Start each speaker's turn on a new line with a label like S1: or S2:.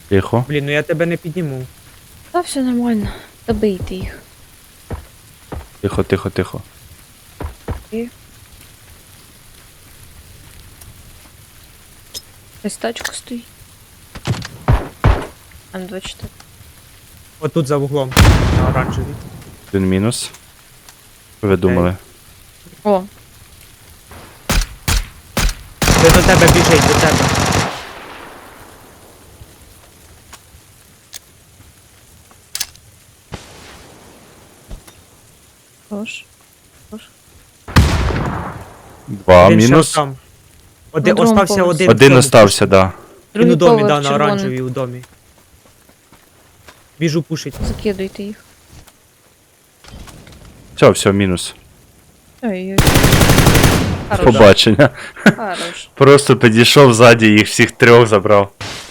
S1: Тихо.
S2: Блін, ну я тебе не підніму.
S3: Та все нормально. Добийте їх.
S1: Тихо, тихо, тихо.
S3: Ось тачка стоїть. М24.
S2: Отут за вуглом. На оранжевій.
S1: Один мінус. Що ви думали?
S3: О,
S2: Ти до тебе біжить, до тебе.
S3: хорош.
S1: Два
S2: Він ще
S1: мінус.
S2: там.
S3: На другому
S2: Остався
S3: поверсі.
S2: один.
S1: Один
S2: в тому
S1: остався,
S2: пушку.
S1: да.
S2: Він у домі, да,
S3: поверх
S2: на
S3: червоний.
S2: оранжевій у домі. Біжу пушить.
S3: Закидуйте їх.
S1: Все, мінус.
S3: Ой-ой. Хорош.
S1: Побачення.
S3: Хорош.
S1: Просто підійшов ззаді, їх всіх трьох забрав.